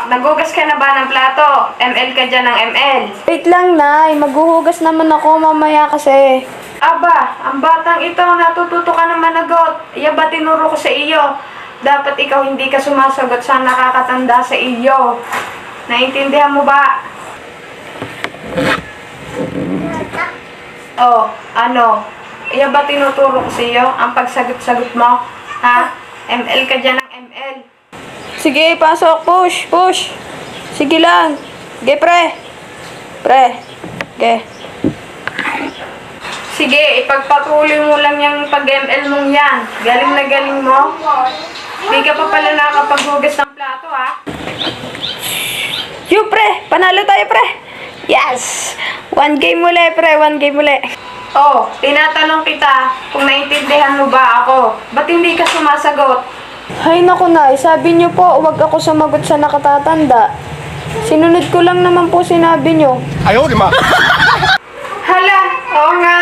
nagugas ka na ba ng plato? ML ka dyan ng ML. Wait lang, Nay. Maghuhugas naman ako mamaya kasi. Aba, ang batang ito, natututo ka ng managot. Iya ba tinuro ko sa iyo? Dapat ikaw hindi ka sumasagot sa nakakatanda sa iyo. Naintindihan mo ba? Oh, ano? Iya ba tinuturo ko sa iyo ang pagsagot-sagot mo? Ha? ML ka dyan ng ML. Sige, pasok. Push, push. Sige lang. Sige, pre. Pre. Okay. Sige, ipagpatuloy mo lang yung pag-ML mong yan. Galing na galing mo. Hindi ka pa pala nakapaghugas ng plato, ha? Yo, pre. Panalo tayo, pre. Yes. One game muli, pre. One game muli. Oh, tinatanong kita kung naintindihan mo ba ako. Ba't hindi ka sumasagot? Hay naku, Nay. Sabi niyo po, huwag ako sumagot sa nakatatanda. Sinunod ko lang naman po sinabi niyo. Hala, oo nga